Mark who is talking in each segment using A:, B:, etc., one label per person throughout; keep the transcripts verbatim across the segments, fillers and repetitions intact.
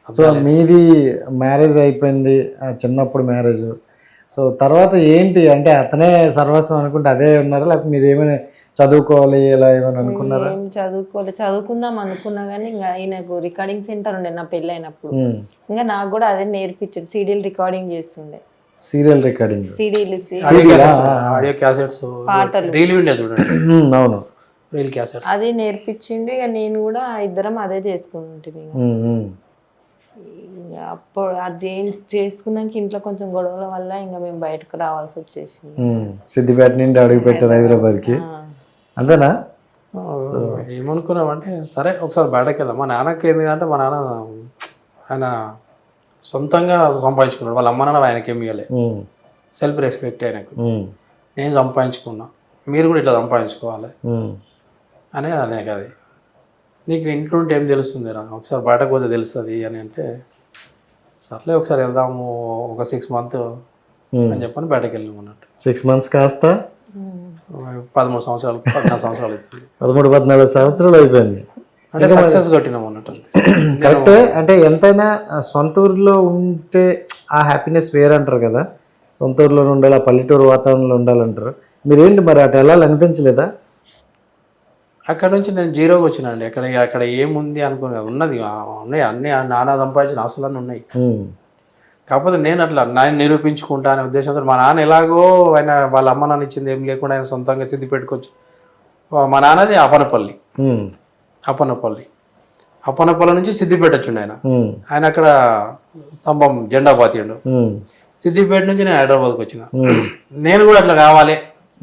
A: So మీది marriage అయిపోయింది, చిన్నప్పుడు మ్యారేజ్. సో తర్వాత ఏంటి అంటే అతనే సర్వస్వం అనుకుంటే అదే ఉన్నారా, లేకపోతే మీరు ఏమైనా చదువుకోవాలి ఇలా ఏమైనా అనుకున్నారా?
B: ఏం చదువుకోవాలి, చదువుకుందాం అనుకున్నా కానీ ఇంకా ఆయనకు రికార్డింగ్ సెంటర్ ఉండే నా పెళ్ళి అయినప్పుడు. ఇంకా నాకు కూడా అదే నేర్పించారు, సీడీలు రికార్డింగ్ చేస్తుండే.
A: సీరియల్ రికార్డింగ్,
B: సీడీలు
C: ఆడియో క్యాసెట్స్,
B: పాటలు
C: రీల్ ఉండే చూడండి.
A: అవును,
C: రీల్ క్యాసెట్
B: అది నేర్పించిండు. ఇక నేను కూడా ఇద్దరం అదే చేసుకుంటుంది. అప్పుడు అది చేసుకున్నాక ఇంట్లో కొంచెం గొడవల వల్ల ఇంకా మేము బయటకు రావాల్సి వచ్చేసింది.
A: సిద్దిపేట నుండి అడుగు పెట్టారు హైదరాబాద్కి, అంతేనా?
C: ఏమనుకున్నామంటే సరే ఒకసారి బయటకు వెళ్దాం. మా నాన్నకి ఏంటంటే మా నాన్న ఆయన సొంతంగా సంపాదించుకున్నాడు, వాళ్ళ అమ్మ నాన్న ఆయనకి ఏమి ఇవ్వలే. సెల్ఫ్ రెస్పెక్ట్ ఆయనకు. నేను సంపాదించుకున్నా, మీరు కూడా ఇట్లా సంపాదించుకోవాలి అనేది అదే కదా. నీకు ఇంట్లో ఉంటే ఏం తెలుస్తుంది రా, ఒకసారి బయటకు పోతే తెలుస్తుంది అని అంటే సర్లే ఒకసారి వెళ్దాము ఒక సిక్స్ మంత్ అని చెప్పని బయటకు వెళ్ళాము అన్నట్టు.
A: సిక్స్ మంత్స్ కాస్త
C: పదమూడు సంవత్సరాలు పద్నాలుగు సంవత్సరాలు అవుతుంది.
A: పదమూడు పద్నాలుగు సంవత్సరాలు అయిపోయింది
C: అంటే సక్సెస్ కొట్టినాం అన్నట్టు.
A: కరెక్ట్. అంటే ఎంతైనా సొంత ఊరిలో ఉంటే ఆ హ్యాపీనెస్ వేరంటారు కదా, సొంత ఊరిలో ఉండాలి, ఆ పల్లెటూరు వాతావరణంలో ఉండాలంటారు. మీరేంటి మరి అటు వెళ్ళాలి అనిపించలేదా?
C: అక్కడ నుంచి నేను జీరోకి వచ్చినండి. అక్కడ అక్కడ ఏముంది అనుకునే ఉన్నది ఉన్నాయి, అన్ని నాన్న సంపాదించిన ఆస్తులన్నీ ఉన్నాయి. కాకపోతే నేను అట్లా నేను నిరూపించుకుంటా అనే ఉద్దేశంతో మా నాన్న ఎలాగో ఆయన వాళ్ళ అమ్మ నాన్న ఇచ్చింది ఏం లేకుండా ఆయన సొంతంగా సిద్ధి పెట్టుకోవచ్చు. మా నాన్నది అపనపల్లి, అప్పనపల్లి అప్పనపల్లి నుంచి సిద్దిపేట వచ్చిండు ఆయన. ఆయన అక్కడ స్తంభం జెండా పాతిండు. సిద్దిపేట నుంచి నేను హైదరాబాద్కి వచ్చిన. నేను కూడా అట్లా కావాలి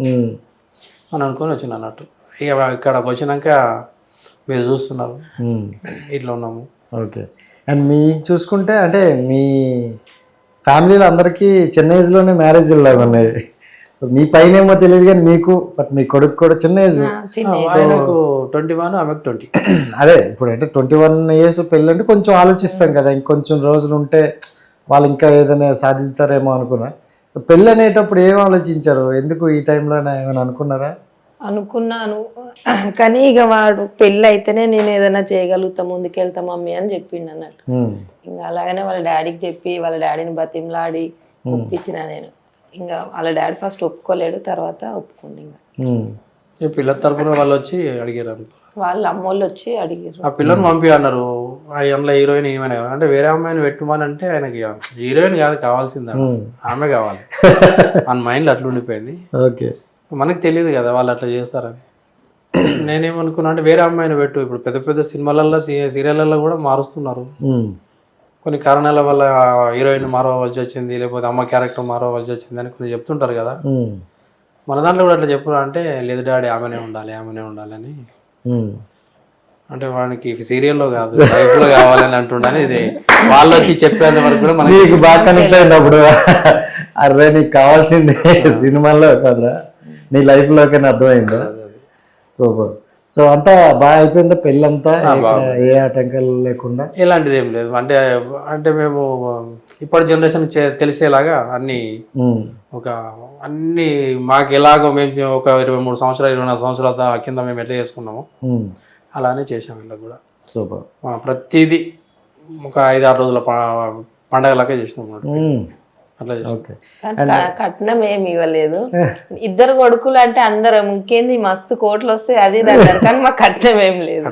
C: అని అనుకొని వచ్చిన అన్నట్టు. ఇక ఇక్కడికి వచ్చినాక మీరు చూస్తున్నారు ఇట్లా ఉన్నాము.
A: ఓకే. అండ్ మీ చూసుకుంటే అంటే మీ ఫ్యామిలీలో అందరికీ చిన్న ఏజ్లోనే మ్యారేజ్ లాగా ఉన్నాయి. సో మీ పైన ఏమో తెలియదు కానీ మీకు, బట్ మీ కొడుకు కూడా చిన్న ఏజ్.
C: ఆయనకు ట్వంటీ వన్ ఆమెకు ట్వంటీ.
A: అదే ఇప్పుడు అంటే ట్వంటీ వన్ ఇయర్స్ పెళ్ళి అంటే కొంచెం ఆలోచిస్తాం కదా, ఇంకొంచెం రోజులు ఉంటే వాళ్ళు ఇంకా ఏదైనా సాధిస్తారేమో అనుకున్నా. పెళ్ళి అనేటప్పుడు ఏం ఆలోచించారు, ఎందుకు ఈ టైంలో ఏమైనా అనుకున్నారా?
B: అనుకున్నాను కానీ ఇక వాడు పెళ్ళి అయితేనే నేను ఏదైనా చేయగలుగుతా, ముందుకెళ్తా మమ్మీ అని చెప్పిండు అన్నట్టు. ఇంకా అలాగనే వాళ్ళ డాడీకి చెప్పి వాళ్ళ డాడీని బతిమలాడి ఒప్పించిన నేను. ఇంకా వాళ్ళ డాడీ ఫస్ట్ ఒప్పుకోలేడు, తర్వాత ఒప్పుకోండి.
C: ఇంకా పిల్లల తరపున వాళ్ళు వచ్చి అడిగారు,
B: వాళ్ళ అమ్మోళ్ళు వచ్చి అడిగారు.
C: ఆ పిల్లని పంపి అన్నారు. అందులో హీరోయిన్ ఏమైనా అంటే వేరే అమ్మాయిని పెట్టుమని అంటే ఆయనకి హీరోయిన్ కాదు కావాల్సింది, ఆమె కావాలి మన మైండ్లో అట్లా ఉండిపోయింది.
A: ఓకే.
C: మనకు తెలియదు కదా వాళ్ళు అట్లా చేస్తారని. నేనేమనుకున్నా అంటే వేరే అమ్మాయిని పెట్టు. ఇప్పుడు పెద్ద పెద్ద సినిమాలలో సీరియళ్ళల్లో కూడా మారుస్తున్నారు. కొన్ని కారణాల వల్ల హీరోయిన్ మారవలసి వచ్చింది, లేకపోతే అమ్మ క్యారెక్టర్ మారవలసి వచ్చింది అని కొన్ని చెప్తుంటారు కదా. మన దాంట్లో కూడా అట్లా చెప్పు అంటే లేదు డాడీ ఆమెనే ఉండాలి ఆమెనే ఉండాలి అని. అంటే వానికి సీరియల్లో కాదు లైఫ్లో కావాలని అంటుండని ఇది వాళ్ళు వచ్చి చెప్పేంత వరకు కూడా మనకి
A: బాగా కనెక్ట్ అయినప్పుడు అరే నీకు కావాల్సింది సినిమాల్లో కదరా నీ లైఫ్లోకైనా అర్థమైందా? సూపర్. సో అంతా బాగా అయిపోయిందా పెళ్ళంతా, ఏ ఆటంకాలు లేకుండా?
C: ఎలాంటిది ఏం లేదు. అంటే అంటే మేము ఇప్పటి జనరేషన్ తెలిసేలాగా అన్ని ఒక అన్ని మాకు ఎలాగో మేము ఒక ఇరవై మూడు సంవత్సరాలు ఇరవై నాలుగు సంవత్సరాల కింద మేము ఎట్లా చేసుకున్నామో అలానే చేసాం ఇలా కూడా.
A: సూపర్.
C: ప్రతిదీ ఒక ఐదు ఆరు రోజుల పండగలకే చేసినాం అట్లా.
B: కట్నం ఏమి ఇవ్వలేదు. ఇద్దరు కొడుకులు అంటే అందరూ ఇంకేంది మస్తు కోట్లు వస్తాయి అది కానీ మా కట్నం ఏం లేదు.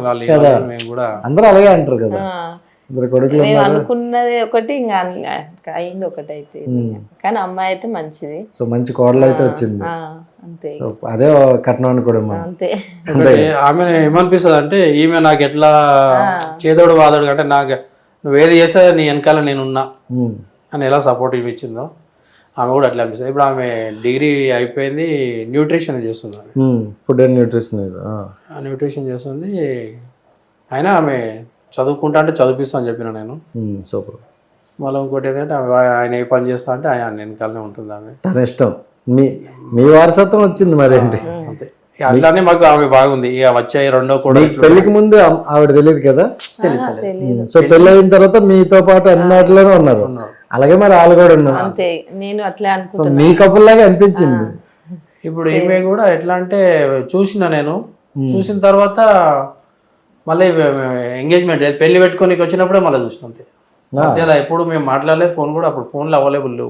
A: అందరూ అలాగే అంటారు కదా.
B: మేము అనుకున్నది ఒకటి ఇంకా అయింది ఒకటి అయితే, కానీ అమ్మాయి అయితే మంచిది.
A: సో మంచి కోడలు అయితే వచ్చింది
B: అంతే.
A: అదే కట్నం అనుకోవడం
B: అంతే.
C: ఆమె ఏమనిపిస్తుంది అంటే ఈమె నాకు ఎట్లా చేదోడు వాదోడు అంటే నాకు నువ్వు ఏది చేస్తే నీ వెనకాల నేనున్నా అని ఎలా సపోర్ట్ ఇచ్చిందో ఆమె కూడా అట్లా అనిపిస్తుంది. ఇప్పుడు ఆమె డిగ్రీ అయిపోయింది, న్యూట్రిషన్ చేస్తుంది,
A: ఫుడ్ అండ్ న్యూట్రిషన్
C: న్యూట్రిషన్ చేస్తుంది. అయినా ఆమె చదువుకుంటా అంటే చదివిస్తా అని చెప్పిన నేను.
A: సూపర్.
C: మళ్ళీ ఇంకోటి ఏంటంటే ఆయన ఏ పని చేస్తా అంటే ఆయన వెనకాలనే ఉంటుంది. ఆమె
A: తన ఇష్టం, మీ మీ వారసత్వం వచ్చింది మరేంటి.
C: అంతే. అట్లానే మాకు ఆమె బాగుంది. ఇక వచ్చే రెండో కూడా
A: పెళ్లికి ముందు ఆవిడ తెలియదు కదా. సో పెళ్లి అయిన తర్వాత మీతో పాటు అన్నిటిలోనే ఉన్నారు. అలాగే మరి వాళ్ళు కూడా ఉన్నారు.
B: నేను అట్లా
A: అనుకుంటా మీ కపుల్ లాగా అనిపించింది.
C: ఇప్పుడు ఈమె కూడా ఎట్లా అంటే చూసిన నేను చూసిన తర్వాత మళ్ళీ ఎంగేజ్మెంట్ పెళ్లి పెట్టుకొని వచ్చినప్పుడే మళ్ళీ చూసినాం అంతే. మధ్యలో ఎప్పుడు మేము మాట్లాడలేదు, ఫోన్ కూడా అప్పుడు ఫోన్లు అవైలబుల్ లేవు.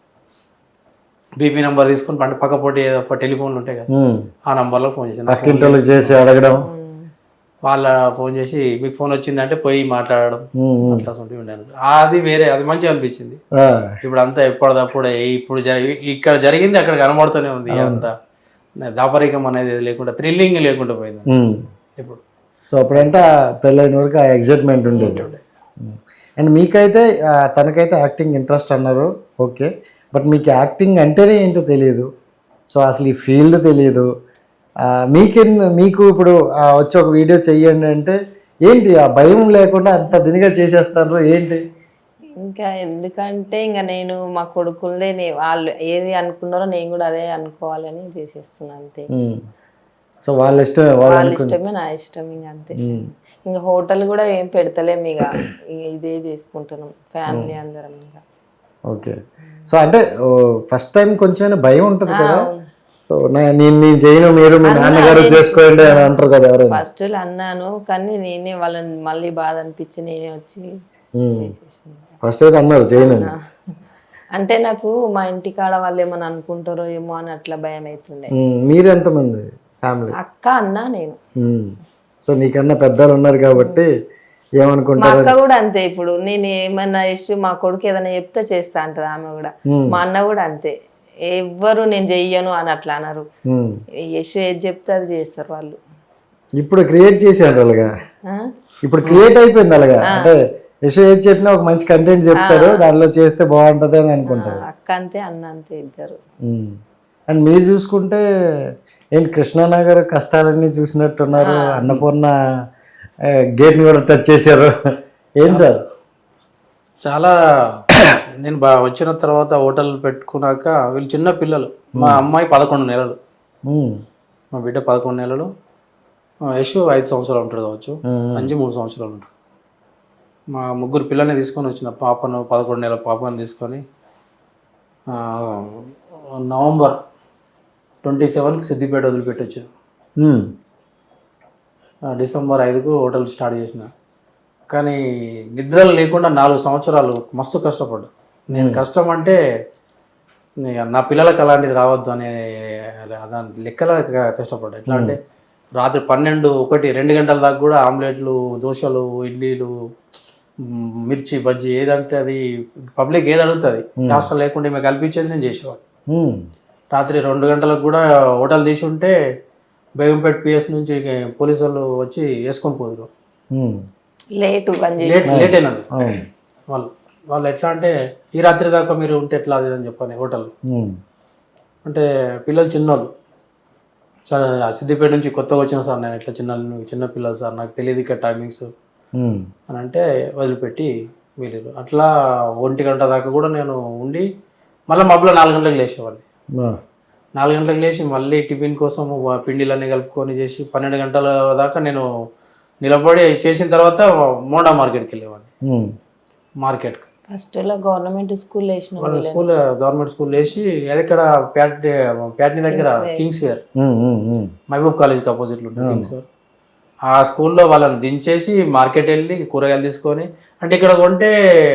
C: బీపీ నెంబర్ తీసుకొని పంట పక్క పోటీ టెలిఫోన్లు ఉంటాయి కదా, ఆ నంబర్లో ఫోన్ చేసి
A: పక్కింటి చేసి అడగడం,
C: వాళ్ళ ఫోన్ చేసి మీకు ఫోన్ వచ్చిందంటే పోయి మాట్లాడడం అట్లా ఉండేది. అది వేరే, అది మంచిగా అనిపించింది. ఇప్పుడు అంతా ఎప్పటిదప్పుడు ఇప్పుడు ఇక్కడ జరిగింది అక్కడ కనబడుతూనే ఉంది. అంతా దాపరికం అనేది లేకుండా థ్రిల్లింగ్ లేకుండా పోయింది ఇప్పుడు.
A: సో అప్పుడంటే పెళ్ళైన వరకు ఆ ఎగ్జైట్మెంట్ ఉండేది. అండ్ మీకైతే తనకైతే యాక్టింగ్ ఇంట్రెస్ట్ అన్నారు, ఓకే. బట్ మీకు యాక్టింగ్ అంటేనే ఏంటో తెలియదు, సో అసలు ఈ ఫీల్డ్ తెలియదు. మీకెందు మీకు ఇప్పుడు వచ్చి ఒక వీడియో చెయ్యండి అంటే ఏంటి ఆ భయం లేకుండా అంత దినిగా చేసేస్తారు ఏంటి?
B: ఇంకా ఎందుకంటే ఇంకా నేను మా కొడుకులదే వాళ్ళు ఏది అనుకున్నారో నేను కూడా అదే అనుకోవాలని చేసేస్తున్నాను అంతే.
A: సో వాళ్ళ ఇష్టం,
B: వాళ్ళ ఇష్టమే నా ఇష్టం ఇంకా అంతే. ఇంకా హోటల్ కూడా ఏం పెడతలేము, ఇక ఇదే చేసుకుంటున్నాం ఫ్యామిలీ అందరం ఇంకా.
A: ఓకే. సో అంటే ఫస్ట్ టైం కొంచెం భయం ఉంటుంది కదా, సో నేను నేను చేయను మీరు మీ నాన్నగారు చేసుకోండి అని అంటారు కదా ఎవరైనా.
B: ఫస్ట్ అన్నాను కానీ నేనే వాళ్ళని మళ్ళీ బాధ అనిపించి నేనే వచ్చి
A: ఫస్ట్ అయితే అన్నారు చేయను
B: అంటే నాకు మా ఇంటి కాడ వాళ్ళు ఏమని అనుకుంటారో ఏమో అని అట్లా భయం అవుతుండే.
A: మీరు ఎంతమంది ఫ్యామిలీ?
B: అక్క అన్న నేను.
A: సో నీకన్నా పెద్దలు ఉన్నారు కాబట్టి ఏమనుకుంటారు.
B: మా అక్క కూడా అంతే, ఇప్పుడు నేను ఏమన్నా ఇష్యూ మా కొడుకు ఏదైనా చెప్తే చేస్తా అంటది ఆమె కూడా. మా అన్న కూడా అంతే, ఎవ్వరు నేను చెయ్యను అని అట్లా అన్నారు. యశు ఏది చెప్తే అది చేస్తారు వాళ్ళు.
A: ఇప్పుడు క్రియేట్ చేశారు అలాగా, ఇప్పుడు క్రియేట్ అయిపోయింది అలాగా. అంటే యశు ఏది చెప్పినా ఒక మంచి కంటెంట్ చెప్తాడు, దానిలో చేస్తే బాగుంటది అని అనుకుంటారు.
B: అక్క అంతే అన్న అంతే ఇద్దరు.
A: అండ్ మీరు చూసుకుంటే ఏంటి కృష్ణానగర్ కష్టాలన్నీ చూసినట్టున్నారు, అన్నపూర్ణ గేట్ని కూడా టచ్ చేశారు. ఏం సార్
C: చాలా నేను బా వచ్చిన తర్వాత హోటల్ పెట్టుకున్నాక వీళ్ళు చిన్న పిల్లలు. మా అమ్మాయి పదకొండు నెలలు, మా బిడ్డ పదకొండు నెలలు, యశు ఐదు సంవత్సరాలు ఉంటాడు కావచ్చు, అంజు మూడు సంవత్సరాలు ఉంటాడు. మా ముగ్గురు పిల్లల్ని తీసుకొని వచ్చిన పాపను పదకొండు నెలల పాపను తీసుకొని నవంబర్ ట్వంటీ సెవెన్కి సిద్దిపేట వదిలిపెట్టొచ్చు. డిసెంబర్ ఐదుకు హోటల్ స్టార్ట్ చేసిన. కానీ నిద్రలు లేకుండా నాలుగు సంవత్సరాలు మస్తు కష్టపడ్డా. నేను కష్టం అంటే నా పిల్లలకు అలాంటిది రావద్దు అనే దాని లెక్కల కష్టపడ్డా. ఎట్లా అంటే రాత్రి పన్నెండు ఒకటి రెండు గంటల దాకా కూడా ఆమ్లెట్లు, దోశలు, ఇడ్లీలు, మిర్చి బజ్జీ ఏదంటే అది పబ్లిక్ ఏది అడుగుతుంది కాస్త లేకుండా మేము కల్పించేది నేను చేసేవాడు. రాత్రి రెండు గంటలకు కూడా హోటల్ తీసి ఉంటే బేగంపేట పిఎస్ నుంచి పోలీసు వాళ్ళు వచ్చి వేసుకొని పోదురు.
B: లేట్
C: లేట్ లేట్ అయినది వాళ్ళు వాళ్ళు ఎట్లా అంటే ఈ రాత్రి దాకా మీరు ఉంటే ఎట్లా అది అని చెప్పని హోటల్. అంటే పిల్లలు చిన్నోళ్ళు, సార్ సిద్దిపేట నుంచి కొత్తగా వచ్చిన సార్ నేను ఇట్లా చిన్న చిన్న పిల్లలు సార్ నాకు తెలియదు ఇక్కడ టైమింగ్స్ అని అంటే వదిలిపెట్టి వెళ్ళారు. అట్లా ఒంటి గంట దాకా కూడా నేను ఉండి మళ్ళీ మబ్బులో నాలుగు గంటలకు లేచేవాడిని. నాలుగు గంటలకు లేచి మళ్ళీ టిఫిన్ కోసం పిండిలన్నీ కలుపుకొని చేసి పన్నెండు గంటల దాకా నేను నిలబడి చేసిన తర్వాత మోండా మార్కెట్కి వెళ్ళేవాడిని. మార్కెట్కి
B: ఫస్ట్ గవర్నమెంట్ స్కూల్ వేసిన
C: స్కూల్ గవర్నమెంట్ స్కూల్ వేసి ఎక్కడ ప్యాట్ ప్యాట్ని దగ్గర కింగ్స్ వేర్ మహబూబ్ కాలేజ్కి ఆపోజిట్లో ఉంటుంది కింగ్స్ వేర్. ఆ స్కూల్లో వాళ్ళని దించేసి మార్కెట్ వెళ్ళి కూరగాయలు తీసుకొని, అంటే ఇక్కడ కొంటే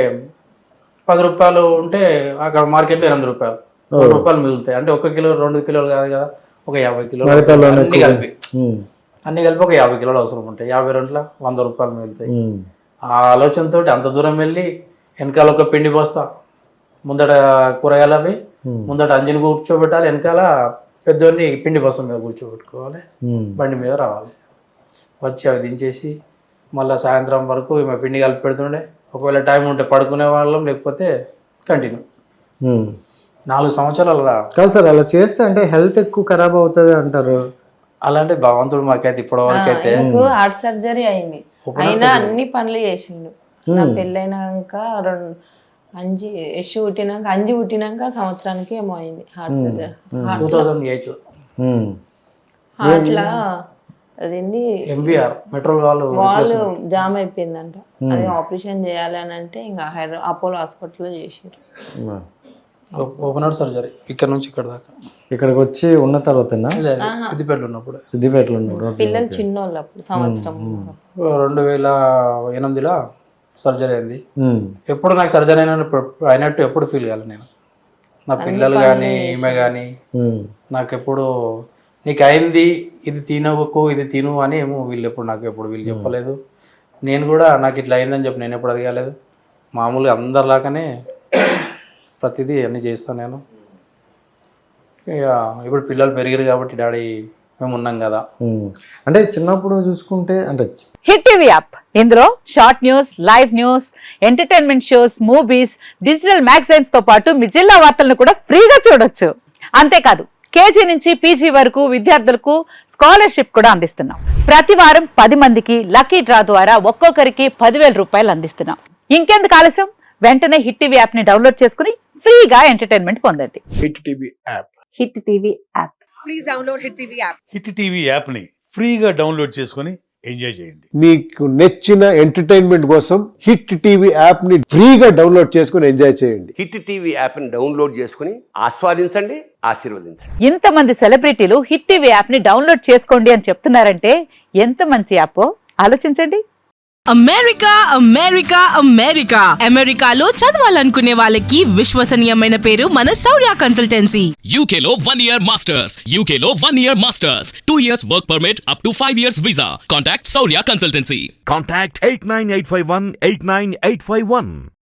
C: పది రూపాయలు ఉంటే అక్కడ మార్కెట్లో ఎనిమిది రూపాయలు రెండు రూపాయలు మిగులుతాయి. అంటే ఒక కిలో రెండు కిలోలు కాదు కదా, ఒక యాభై కిలోలు అన్ని కలిపి అన్ని కలిపి ఒక యాభై కిలోలు అవసరం ఉంటాయి. యాభై రెండుల వంద రూపాయలు మిగులుతాయి. ఆ ఆలోచనతో అంత దూరం వెళ్ళి వెనకాల ఒక పిండి బస్తా, ముందట కూరగాయలు అవి, ముందట అంజని కూర్చోబెట్టాలి, వెనకాల పెద్దోడిని పిండి బస్తా మీద కూర్చోబెట్టుకోవాలి, బండి మీద రావాలి. వచ్చి అవి దించేసి మళ్ళీ సాయంత్రం వరకు మా పిండి కలిపి పెడుతుండే. ఒకవేళ టైం ఉంటే పడుకునే వాళ్ళం, లేకపోతే కంటిన్యూ. నాలుగు సంవత్సరాలు రా
A: కాదు సార్, అలా చేస్తే అంటే హెల్త్ ఎక్కువ ఖరాబ్ అవుతుంది అంటారు.
C: అలాంటి భగవంతుడు మాకైతే ఇప్పటి వరకు అయితే
B: హార్ట్ సర్జరీ అయింది, అయినా అన్ని పనులు చేసిండు. నా పెళ్ళైనాక రెండు అంజి యశు పుట్టినాక అంజి పుట్టినాక సంవత్సరానికి ఏమో అయింది heart surgery.
C: Two thousand eight లో
B: హార్ట్లా అదేంటి
C: ఎంబీఆర్ మెట్రో వాళ్ళు
B: వాళ్ళు జామ్ అయిపోయిందంట, అది ఆపరేషన్ చేయాలి అని అంటే ఇంకా హైదరాబాద్ అపోలో హాస్పిటల్లో చేసారు.
C: ఓపెన్ హార్ట్ సర్జరీ ఇక్కడ నుంచి ఇక్కడ దాకా.
A: ఇక్కడికి వచ్చి ఉన్న తర్వాతనా
C: లేదు, సిద్దిపేటలో ఉన్నప్పుడు.
A: సిద్దిపేటలో ఉన్నప్పుడు
B: పిల్లలు చిన్నోళ్ళు అప్పుడు సంవత్సరం
C: రెండు వేల ఎనిమిదిలో సర్జరీ అయింది.
A: ఉమ్,
C: ఎప్పుడు నాకు సర్జరీ అయిన అయినట్టు ఎప్పుడు ఫీల్ కాలేదు నేను. నా పిల్లలు కానీ ఈమె కానీ
A: ఉమ్,
C: నాకు ఎప్పుడు నీకు అయింది ఇది తినవకు ఇది తిను అని ఏమో వీళ్ళు ఎప్పుడు నాకు ఎప్పుడు వీళ్ళు చెప్పలేదు. నేను కూడా నాకు ఇట్లా అయిందని చెప్పి నేను ఎప్పుడు అడగలేదు. మామూలుగా అందరిలాగానే ప్రతిదీ అన్నీ చేస్తాను నేను. ఇక ఇప్పుడు పిల్లలు పెరిగారు కాబట్టి డాడీ మేము ఉన్నాం కదా.
A: ఉమ్. అంటే చిన్నప్పుడు చూసుకుంటే అంటే
D: హిట్ టీవీ యాప్ ఇందులో short news, live news, entertainment shows, movies, digital magazines తో పాటు మీ జిల్లా వార్తలను కూడా ఫ్రీగా చూడొచ్చు. అంతేకాదు కేజీ నుంచి పీజీ వరకు విద్యార్థులకు స్కాలర్షిప్ కూడా అందిస్తున్నాం. ప్రతి వారం పది మందికి లక్కీ డ్రా ద్వారా ఒక్కొక్కరికి పదివేల రూపాయలు అందిస్తున్నాం. ఇంకెందుకు ఆలస్యం, వెంటనే హిట్ టీవీ యాప్ ని డౌన్లోడ్ చేసుకుని ఫ్రీగా ఎంటర్టైన్మెంట్ పొందండి.
E: Hit TV app
D: Hit TV app
F: please download Hit TV app.
G: Hit TV యాప్ని ఫ్రీగా డౌన్లోడ్ చేసుకొని ఎంజాయ్ చేయండి.
E: మీకు నచ్చిన ఎంటర్టైన్మెంట్ కోసం హిట్ టీవీ యాప్ ని ఫ్రీగా డౌన్లోడ్ చేసుకుని ఎంజాయ్ చేయండి.
H: హిట్ టీవీ యాప్ని డౌన్లోడ్ చేసుకుని ఆస్వాదించండి, ఆశీర్వదించండి.
D: ఇంతమంది సెలబ్రిటీలు హిట్ టీవీ యాప్ ని డౌన్లోడ్ చేసుకోండి అని చెప్తున్నారంటే ఎంత మంచి యాప్ ఆలోచించండి.
F: అమెరికా అమెరికా అమెరికా అమెరికాలో చదవాలనుకునే వాళ్ళకి విశ్వసనీయమైన పేరు మన శౌర్య కన్సల్టెన్సీ.
I: U K లో one year masters, U K లో one year masters, two years work permit up to five years visa. Contact Saurya Consultancy.
J: Contact eight nine eight five one eight nine eight five one.